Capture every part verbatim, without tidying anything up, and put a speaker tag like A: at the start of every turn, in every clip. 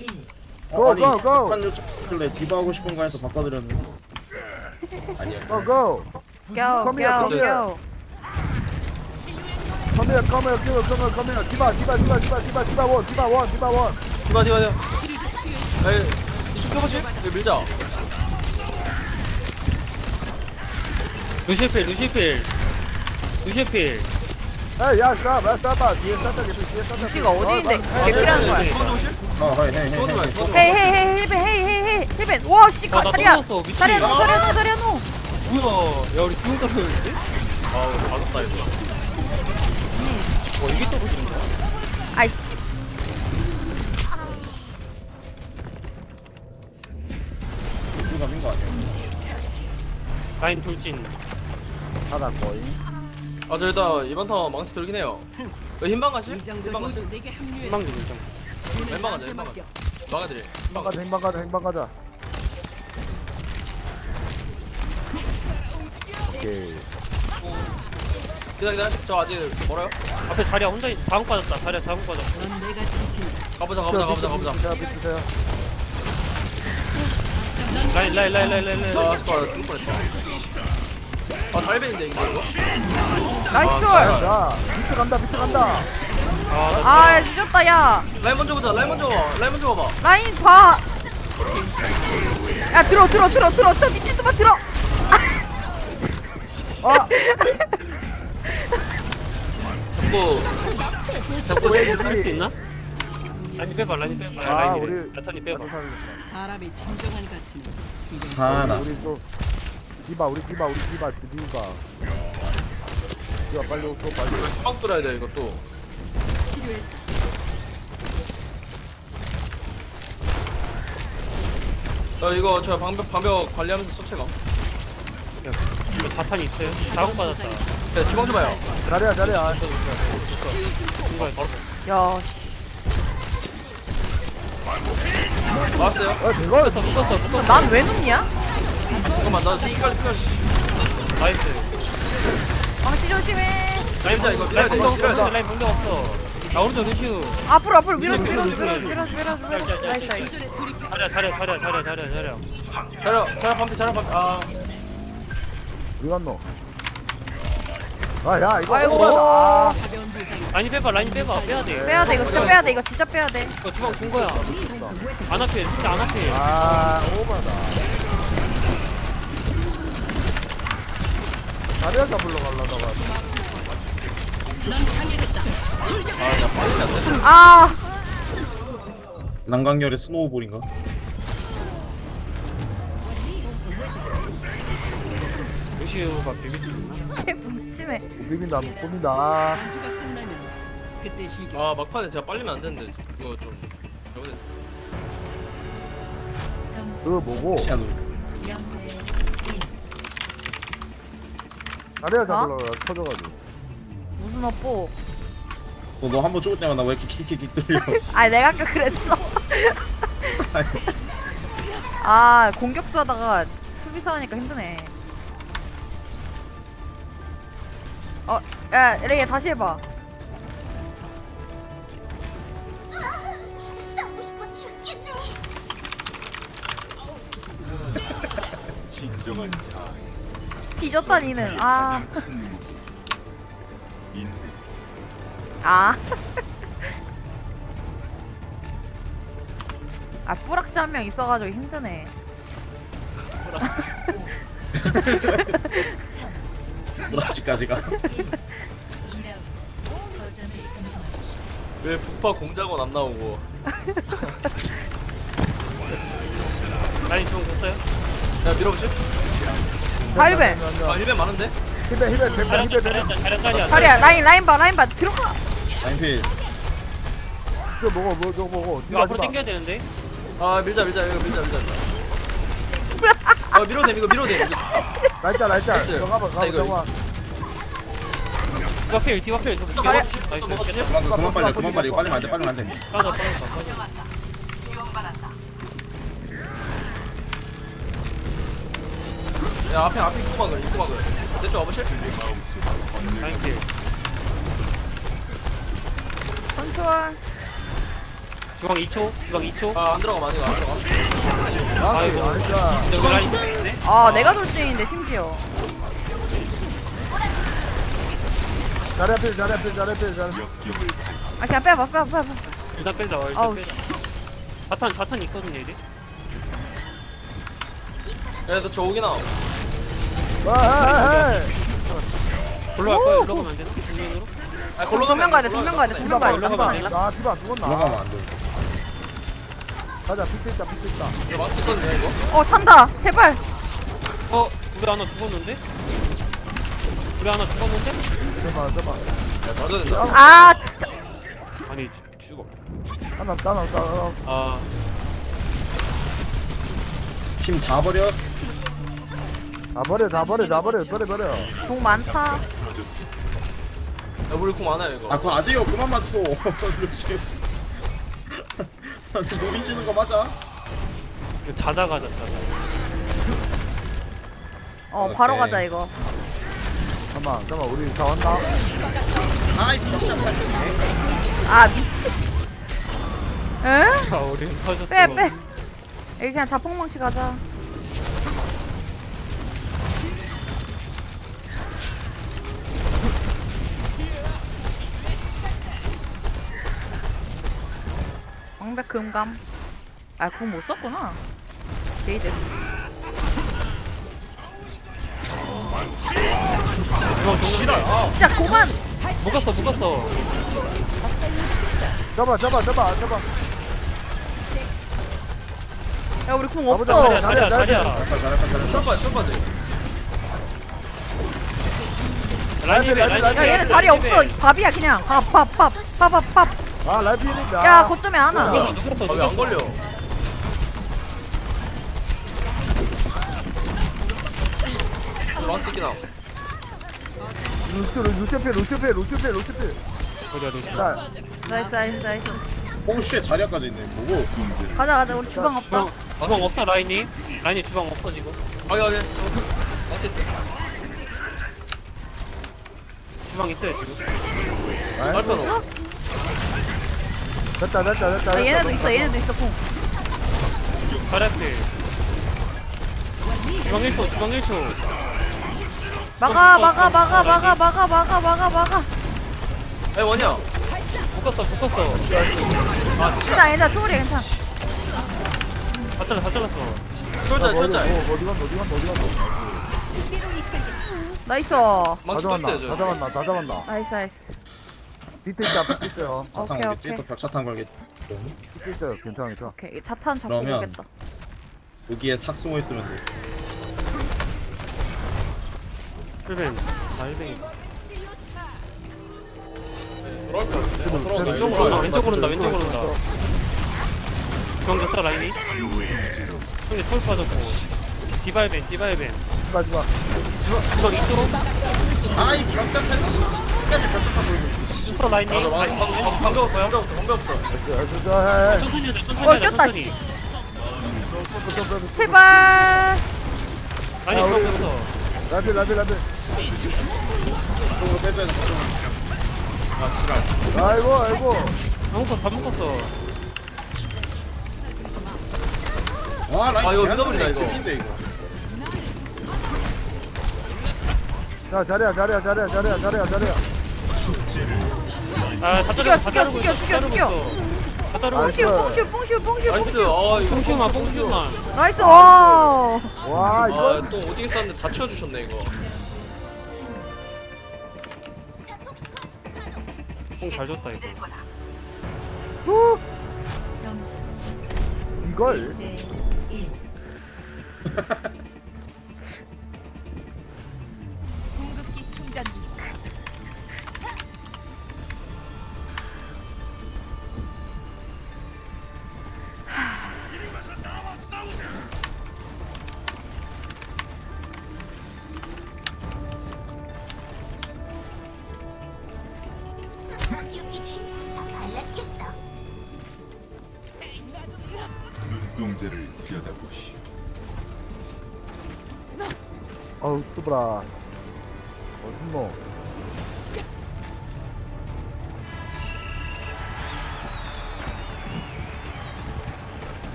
A: 고,
B: 아니
A: 고, 고.
B: 판 요청길래 디바 하고 싶은 거 해서 바꿔드렸는데 아니야.
A: Go go.
C: Go,
A: Come here,
C: go,
A: come here.
C: go.
A: Come here, come here, come here, come here, come here. 디바, 디바, 디바, 디바, 디바, 디바 원, 디바 원, 디바 원.
D: 디바 디바 디바 에이 이쪽 펴보지? 여기 밀자
E: 루시필 루시필 루시필
A: 에이, 야, 스탑, 야, 스탑. 뒤에 스탑, 뒤에 스탑.
C: 루시가 어디 있는데? 개필하는 거야.
D: 주방 좀 오실?
B: 아 하이 헤이
D: 주방 좀
B: 헤이
D: 해 주방 좀
C: 헤이 헤이 헤이 힐벤 헤이 헤이 헤이 힐벤. 와 씨,
E: 아, 나
C: 자리야.
E: 떨어졌어, 미친.
C: 자리야 노, 자리야 노, 자리야 노.
E: 뭐야 야 우리 기분 떨어졌는데? 아우 맞았다 이거 와 이게 떨어지는 거야?
C: 아이씨.
B: 누가 민거 아니야?
E: 라인 돌진
A: 하나 거의.
D: 아 저 일단 이번 턴 망치 돌긴 해요 여기 흰방 가실? 흰방 가실?
E: 희망 좀 좀.
D: 왼방 가자 왼방 가자 막아드릴
A: 행방 가자, 행방 가자, 행방 가자. 오케이.
D: 기다려 기다려 저 아직 멀어요?
E: 앞에 자리야 혼자 있 자국 빠졌다 자리야 자국 빠졌어
D: 가보자 가보자 가보자 가보자
A: 자, 비트세요.
E: 라인 라인 라인 라인 라인 라인
D: 아 스파 죽을 뻔했어 아 달벤인데 이거 이거?
C: 나이스.
A: 자, 비트 간다, 비트 간다.
E: 아나
C: 아 늦었다 야.
D: 라인 먼저 보자 라인 먼저 봐 라인 먼저 봐봐
C: 라인 봐. 야 들어 들어 들어 들어 저 미친놈아 들어.
A: 아,
D: 자꾸
E: 자꾸
A: 왜
E: 할수
A: 이리?
E: 있나? 라인 빼봐 라인 빼봐
A: 아,
E: 라인
A: 우리
E: 나탄이 빼봐
F: 사람의 진정한 가치는
B: 하나.
A: 우리 또 디바, 우리 디바, 우리 디바, 디바. 디바 빨리 오고 빨리.
D: 빡 돌아야 돼 이거 또 어, 이거 저 방벽 방벽 관리하면서 쫓아가.
E: 야 이거 자탄이 있어요? 자국 빠졌다
D: 네, 주방 좀 봐요.
A: 잘해야, 잘해야.
E: 중간에 바로
C: 야
D: 나왔어요.
A: 어, 대박.
E: 붙었어 붙었어 붙었어
C: 난 왜 눕냐?
D: 잠깐만, 나 시간이 필요해.
E: 나이스
C: 망치 조심해.
D: 라인 자 이거 밀어야
E: 라인
D: 돼. 이거
E: 공격
D: 밀어야
E: 없어
D: 돼.
E: 라인 공격 없어 나 오른쪽 루시우
C: 앞으로 앞으로 밀어줘
E: 밀어,
C: 밀어줘
E: 밀어,
C: 밀어줘 밀어줘 밀어줘. 나이스 나이스.
E: 자리야 자리야 자리야 자리야 자리야 자리야
D: 자라, 자라 반피, 자라 반피. 아,
A: 어디 갔노? 아, 야, 이거.
C: 아이고.
A: 오바다.
E: 라인 빼봐 라인 빼봐 빼야돼
C: 빼야 돼 이거 진짜 빼야 돼 이거 진짜 빼야 돼.
E: 이거 주방 준 거야 안 앞에 진짜 안 앞에
A: 아, 오바다. 다리야 잡으러 가려다가.
C: 아
B: 난강열의 스노우볼인가?
E: 루시우가 비비지
C: 개 뭉치네.
A: 비빈다, 못 봅니다.
F: 주가 끝나면 그때 쉬게.
D: 아 막판에 제가 빨리면 안 되는데 이거 좀 잘못했어.
A: 그거 보고.
B: 시아노.
A: 다리야 잡으러 가다가 터져가지고.
C: 무슨 업보?
B: 너 한 번 죽을 때마다 왜 이렇게 킥킥킥 들려?
C: 아 내가 아까 그랬어. 아 공격수 하다가 수비수 하니까 힘드네. 어, 야 레이야 다시 해봐. 뒤졌다 니는. 아. 아. 아 뿌락지 한 명 있어가지고 힘드네.
B: 브라지까지가.
D: 왜 북파 공작원 안 나오고?
E: 라인 주방 줬어요?
D: 야 밀어보실?
C: 발배.
D: 아 일벤 많은데?
A: 히베, 히베, 백번
E: 자리야
A: 히베,
E: 자리야
A: 백번.
E: 자리야 자리야
C: 자리야 라인 라인 봐 라인 봐 들어가.
B: 라인필.
A: 저거 먹어, 뭐, 저거 먹어.
E: 이거 앞으로 당겨야 되는데
D: 아 밀자 밀자 이거 밀자 밀자. 아 밀어도 돼 이거 밀어도 돼. 이거.
A: 날짜, 날짜.
D: 됐어요.
A: 저거 가봐,
D: 나
A: 가봐,
D: 이거-
A: 저거.
E: 디바필 디바필 좀
D: 또
E: 나이스
D: 먹어주실? 또 먹어주실?
B: 그만 그만 빨리 그만 빨리 빨리면 안 돼. 빨리면 안 돼.
E: 빠져 빠져 빠져
D: 야 앞에 앞에 입구 막을 입구 막을. 내쪽 와보실?
E: 라인 킬
C: 컨트롤.
E: 주방 이 초 주방 이 초.
D: 아안 들어가 많이 안 들어가.
E: 아이고.
A: 아니야.
E: 여기 라인 있네.
C: 아 내가 돌진인데 심지어.
A: 자리 앞에 자리 앞에 자리 앞에 자리 앞에.
C: 아 그냥 빼봐 빼봐 빼봐.
E: 일단 빼자. 일단
C: 아우,
E: 빼자. 자탄 자탄 있거든요 이제.
D: 얘도 저 오긴 나.
A: 와,
E: 올라갈 거야. 올라가면 안 되나? 정면으로?
D: 아 걸로
C: 정면 가야 돼
D: 걸로
C: 정면 가야 돼
D: 가면
C: 정면 가야 돼.
E: 올라가면
C: 남성
E: 안
C: 아니야?
A: 아, 디바 죽었나?
B: 올라가면 안 돼.
A: 가자, 픽 있다, 픽 있다.
D: 돼. 망치 있거든요 이거.
C: 어 찬다. 제발.
E: 어 우리 하나 죽었는데? 우리 하나 죽었는데?
A: 잠깐만, 잠깐만.
D: 야 맞아야 된다.
C: 아 진짜.
E: 아니 죽- 죽어.
A: 하나, 하나, 하나.
E: 아
B: 팀 다 버려.
A: 다 버려, 다 버려, 다 버려, 버려, 버려.
C: 공 많다.
D: 야 우리 공 많아요 이거.
B: 아 그거 아재요 그만 맞소. 루시. 노린 치는 거 맞아?
E: 이거 자자 가자 자자.
C: 어 바로
B: 오케이.
C: 가자 이거.
A: 잠깐만, 잠깐만, 우리 다 왔나?
B: 아이 깜짝이야.
C: 아 미치. 에?
E: 아 우리 터졌어.
C: 빼 빼. 여기 그냥 자폭망치 가자. 방백 금감. 아, 궁 못 썼구나. 게이드.
E: 어 정신아. 아
C: 진짜 고만.
E: 못 갔어 못 갔어.
A: 잡아, 잡아, 잡아, 잡아.
C: 야, 우리 궁
A: 가보자,
C: 없어.
A: 가자.
E: 자리야 자리야.
B: 잘했다 잘했다 잘했다.
D: 샷발 샷발지.
E: 라인이 라인이.
C: 야, 얘네 자리 없어. 밥이야 그냥. 밥, 밥, 밥, 밥, 밥, 밥.
A: 아, 라이프니까.
C: 야, 거점에 하나.
E: 누갔어 누갔어.
D: 아왜 안 걸려? 망치 있긴 함.
A: 루스, 루스페, 루스페, 루스페, 루스페.
E: 어디야 어디.
A: 자,
C: 나이스, 나이스, 나이스.
B: 오쉣 자리까지 있네. 뭐고?
C: 가자, 가자. 우리 주방 없다.
E: 주방 주방 없다 라인이. 라인이 주방 없어 지금.
D: 아니 아니. 망치 있어.
E: 주방 있어요 지금.
D: 발표로.
A: 됐다, 됐다, 됐다.
C: 아, 얘네도 있어, 얘네도 있어, 궁.
E: 잘했대. 주방 일 초 주방 일 초.
C: 막아, 막아, 막아, 막아, 막아, 막아, 막아, 막아.
D: 에 원이야.
E: 묶었어 묶었어.
C: 괜찮아, 괜찮아. 초월이야, 괜찮아.
E: 다 잘라 다 잘랐어.
D: 철자 철자.
A: 어디 갔노, 어디 갔노, 어디 갔노, 어디 갔노.
C: 나이스.
A: 다
D: 망치 또
A: 잡았나,
D: 있어요
A: 다
D: 저.
A: 잡았나, 다 잡았나.
C: 나이스, 나이스.
A: 비트 있다, 비트 있어요.
B: 차탄
C: 오케이,
B: 걸겠지?
C: 오케이.
B: 또 벽차탄 걸겠지?
A: 비트 있어요. 괜찮아, 괜찮아.
C: 오케이. 이 자탄 잡고
B: 그러면-
C: 오겠다.
B: 여기에 삭 숨어 있으면 돼.
E: 힐벤. 아 힐벤이.
D: 돌아올 것 같은데. 어, 돌아온다.
A: 쟤는
D: 이쪽으로
E: 온다
D: 온다.
E: 왼쪽으로 온다 왼쪽으로 온다. 주방 됐다 라인이. 형이 털 빠졌고. 디바이벤 디바이벤.
A: 마지막.
E: 주방 이쪽으로.
B: 아이 벽차탄 씨. 끝까지 벽차탄 걸고 있네. 씨.
E: 슈퍼 라인이.
D: 맞아 맞아.
E: 라인
D: 방금 없어. 방금 없어. 방금 없어.
E: 천천히 하자 천천히
C: 어,
E: 하자
C: 꼈다,
E: 천천히.
C: 씨. 제발.
E: 아니 주방 됐어.
A: 라벨, 라벨, 라벨.
B: 이쪽으로 빼줘야 돼.
D: 아 지랄.
A: 아이고, 아이고.
E: 다 묶었어 다 묶었어.
B: 와 라인
D: 아, 이거
B: 개한정이네.
D: 믿어버린다, 이거.
B: 재밌네, 이거.
A: 자, 자리야, 자리야, 자리야, 자리야, 자리야, 자리야.
E: 아다
C: 죽여,
E: 자르고 다
C: 죽여,
E: 자르고
C: 죽여,
E: 있어,
C: 죽여,
E: 자르고
C: 죽여.
E: 있어. 다 자르고
A: 나이스.
E: 있어.
C: 뽕슈, 뽕슈, 뽕슈, 뽕슈,
D: 나이스.
C: 뽕슈.
D: 아 이거.
E: 뽕슈만 뽕슈만.
C: 나이스. 와.
A: 와, 이거.
D: 아또 어디 있었는데 다 치워주셨네 이거.
E: 뽕잘 줬다 이거.
A: 후,
F: 점수
A: 이걸.
F: 대 일. 공급기 충전 중.
G: 눈동자를 들여다보시오.
A: 어우, 뚜브라. 어딨노?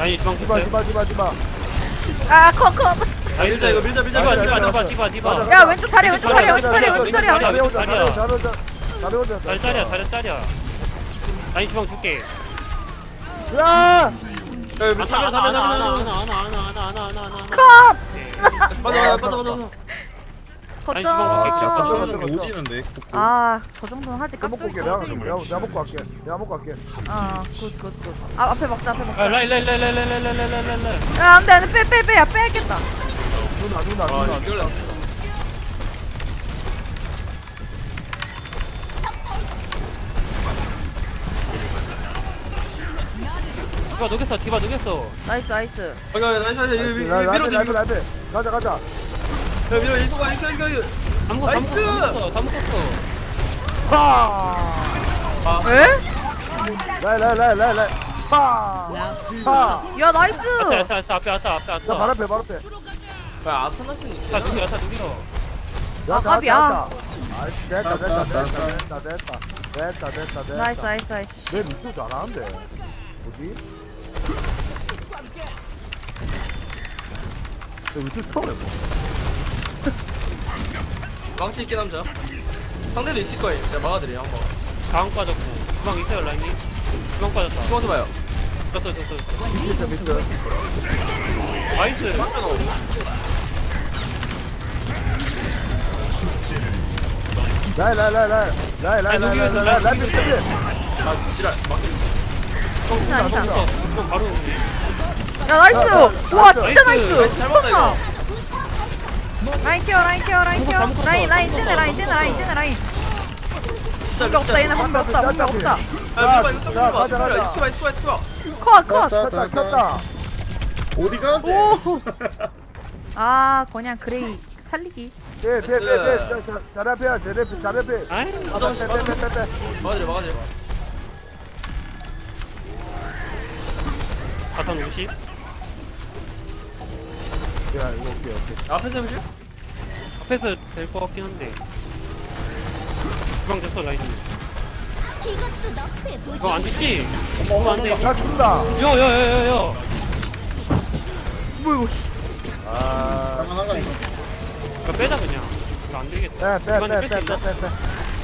E: 라인이 주방
A: 디바
E: 줬어요.
A: 디바 디바 디바.
C: 아 컷컷.
D: 아, 밀자 이거 밀자 밀자
E: 디바
D: 밀자
E: 디바
D: 밀자.
E: 디바 디바 디바.
C: 야 왼쪽 자리 왼쪽 자리 왼쪽 자리 왼쪽 자리
A: 잘해
E: 왼쪽
A: 오자 잘해
E: 자리야.
A: 오자 잘해 오자 잘해 오자.
E: 잘 짜리야 잘 짜리야. 라인 주방 줄게.
A: 야.
D: 야 밀자
E: 안아
D: 밀자
E: 안아
D: 밀자
E: 안아
D: 밀자.
E: 안아 안아 안아 안아 안아 안아 안아.
C: 컷.
D: 빠져 빠져 빠져 빠져.
E: 아니, 주방 먹게.
B: 야,
C: 거점.
B: 쩌는 오지는데.
C: 아저 정도는 하지
A: 내가 먹고
C: 깍두기.
A: 올게. 내가 내가 내가 먹고 갈게. 내가 먹고 갈게.
C: 아굿굿굿. 아 앞에 먹자 앞에
E: 아
C: 먹자.
E: 라인 라인 라인 라인 라인 라인 라인 라인 라인 라인.
C: 야 안돼 안돼 빼 빼 빼야 빼야겠다.
A: 누나 누나
D: 아
A: 누나.
D: 이걸
E: 디바 녹였어 디바 녹였어.
C: 나이스 나이스.
D: 아 이거 나이스 나이스 이거 밀-
A: 나
D: 밀-
A: 나
D: 밀어줘
A: 나
D: 밀어.
A: 나 가자 가자.
D: 야 밀어 이거 봐 이거 이거 이거.
E: 다 먹었어
D: 나이스!
E: 다 먹었어 다 먹었어.
A: 파.
C: 에?
A: 라라라라라. 파. 파.
C: 야 나이스.
E: 왔다 왔다 왔다 앞에 왔다 앞에
A: 자, 바로
E: 왔다.
A: 앞에 바로 앞에.
D: 야 아타나시는
E: 자 누기 왔다 누기로.
A: 야,
C: 아,
A: 자,
C: 갑이야.
A: 자, 자. 아, 됐다, 됐다, 됐다, 됐다, 됐다, 됐다, 됐다, 됐다.
C: 나이스 나이스 나이스.
A: 내 밑도 잘하는데. 뭐지? 내 밑도 처음 해봐.
D: 망치 있긴 남자. 상대도 있을 거예요. 제가 막아드려요 한번.
E: 다음 빠졌고 주방 있어요 라인이. 주방 빠졌다.
D: 숨어서 봐요.
E: 졌어 졌어.
A: 밑에, 밑에.
E: 나이스.
A: 라이, 라이, 라이, 라이. 라이, 라이, 라이, 라이, 라이, 라이, 밑에, 밑에.
D: 아 지랄. 막.
C: 괜찮아 괜찮아.
E: 졌어. 그럼 바로.
C: 야 나이스. 와 진짜 나이스.
D: 나이스, 잘 먹었다, 이거.
C: 라인 케어 라인 케어 라인 케어. 라인 라인 쟤네 라인 쟤네 라인 쟤네 라인.
D: 진짜
C: 방벽 없다 얘네 방벽 없다 방벽 없다.
D: 야 밀봐 이거 좀
A: 자,
D: 밀봐.
A: 가자, 가자.
D: 이스키바 이스키바 이스키바.
C: 컷 컷.
A: 켰다, 켰다.
B: 어디 가는데?
C: 오. 아 그냥 그레이 살리기.
A: 빼, 빼, 빼, 빼. 자, 자, 잘 앞에야, 잘 앞에, 잘 앞에.
E: 아이.
A: 빼, 빼, 빼, 빼, 빼.
D: 막아드려 막아드려.
E: 바탕 오십.
A: 야, 이거 오케이, 오케이.
D: 앞에서 해보실?
E: 앞에서 될 것 같긴 한데. 주방 됐어 라인이. 이거 안 죽지?
B: 어머, 어머,
E: 안 돼.
B: 어머.
A: 야, 죽는다.
E: 야야야야야.
C: 뭐 이거.
A: 아,
B: 장난한 거 아니야?
E: 이거 빼자 그냥. 이거 안 되겠다.
A: 빼, 빼,
E: 이번에
A: 빼,
E: 뺄수
A: 빼,
E: 있나?
A: 빼, 빼.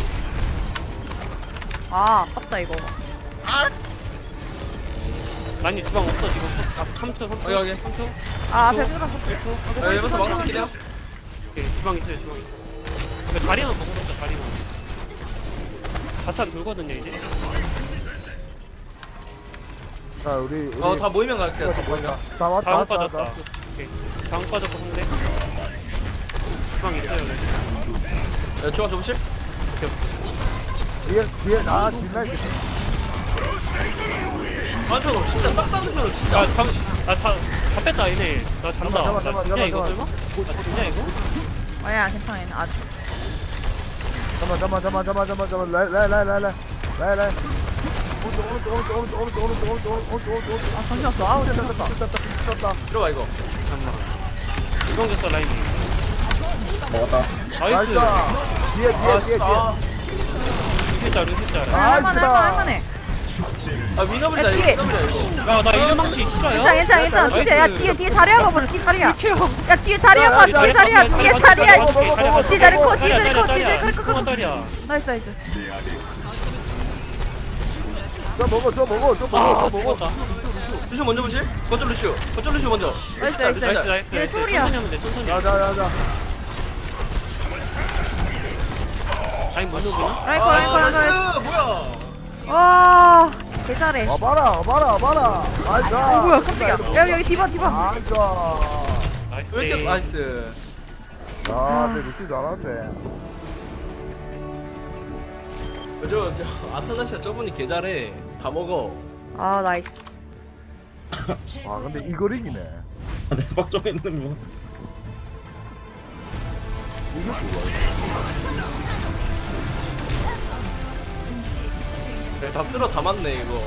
C: 아 아깝다 이거.
E: 라인이 주방 없어 지금. 삼 초 삼 초.
D: 여기, 여기.
E: 삼 초.
C: 아 앞에 끌었어.
D: 야 이번서 망치 있긴 해요.
E: 오케이 주방 있어요 주방 있어. 이거 자리만 먹어놓자 자리만. 바탕 돌거든요 이제.
A: 자, 우리, 우리.
D: 어다 모이면 갈게요. 다 모이면.
A: 다 왔다,
E: 다음
A: 왔다,
E: 빠졌다.
A: 왔다.
E: 오케이. 다음 빠졌고 근데. 주방 있어요 네.
D: 야 중앙 접으실?
A: 뒤에, 뒤에, 나, 뒷라인.
D: 완전 없 진짜 싹다 눕혀도 진짜.
E: 아, 잠, 아, 다, 다 뺐다, 얘네. 나 잔다.
A: 잠깐만,
E: 나
A: 잠깐만,
E: 진짜 이거
A: 잠깐만,
E: 설마? 나 진짜 이거?
C: 아야 괜찮아 얘는 아.
A: 잠깐만, 잠깐만, 잠깐만, 잠깐만, 잠깐만, 잠깐만. 라이, 라이, 라이, 라이, 라이. 라이, 라이. 오른쪽, 오른쪽, 오른쪽, 오른쪽, 오른쪽, 오른쪽, 오른쪽, 오른쪽, 오른쪽, 오른쪽.
C: 아 정신 없어. 아우
A: 됐다, 됐다, 됐다, 됐다, 됐다.
D: 들어봐 이거.
E: 잠깐만. 이건 됐어, 라인이.
B: 먹었다.
E: 나이스.
A: 나이스. 뒤에, 뒤에,
D: 아
A: 뒤에,
D: 씨. 아,
E: 루시자, 루시자.
A: 아,
C: 할만해 할만해 할만해.
D: 아 위너블이다
C: 야,
D: 이거.
C: 뒤에.
D: 위너블이야 이거.
E: 야, 나 일망치 싫어요?
C: 괜찮아 괜찮아 괜찮아.
E: 나이스.
C: 뒤에 야 뒤에 뒤에 자리야 가버려. 뒤에 자리야. 야 뒤에 자리야
A: 야,
C: 가.
A: 야,
C: 뒤에
A: 야,
C: 자리야. 뒤에 자리야. 뒤에 자리 커. 뒤에 자리 커. 뒤에 자리
E: 자리야.
C: 커.
E: 그만 자리야.
C: 나이스 나이스.
A: 저 먹어, 저 먹어, 저 먹어,
E: 아,
A: 저 먹어.
E: 죽었다.
D: 루시오 먼저 보실? 거점 루시오. 거점 루시오 먼저.
C: 나이스,
D: 루시오,
C: 나이스,
D: 루시오.
E: 나이스, 나이스.
C: 얘
E: 나이스.
C: 소리야.
E: 천천히 하면 돼, 천천히.
A: 자, 자, 자, 자.
E: 라인 못 누구나?
C: 라이커
D: 아,
C: 라이커 라이커.
D: 나이스. 뭐야?
C: 와 개잘해.
A: 와봐라, 와봐라, 와봐라. 나이스.
C: 어 뭐야 깜짝이야. 여기 여기 디바 디바.
A: 나이스.
E: 나이스.
D: 왜 이렇게 나이스.
A: 아, 내 루시 잘하는데.
D: 저, 저 아타나시아 저분이 개 잘해. 다 먹어.
C: 아 나이스.
A: 아, 근데 이걸 이기네.
B: 레박 좀 했는데 뭐.
A: 이게 좋아.
D: 네, 다 쓸어 담았네 이거.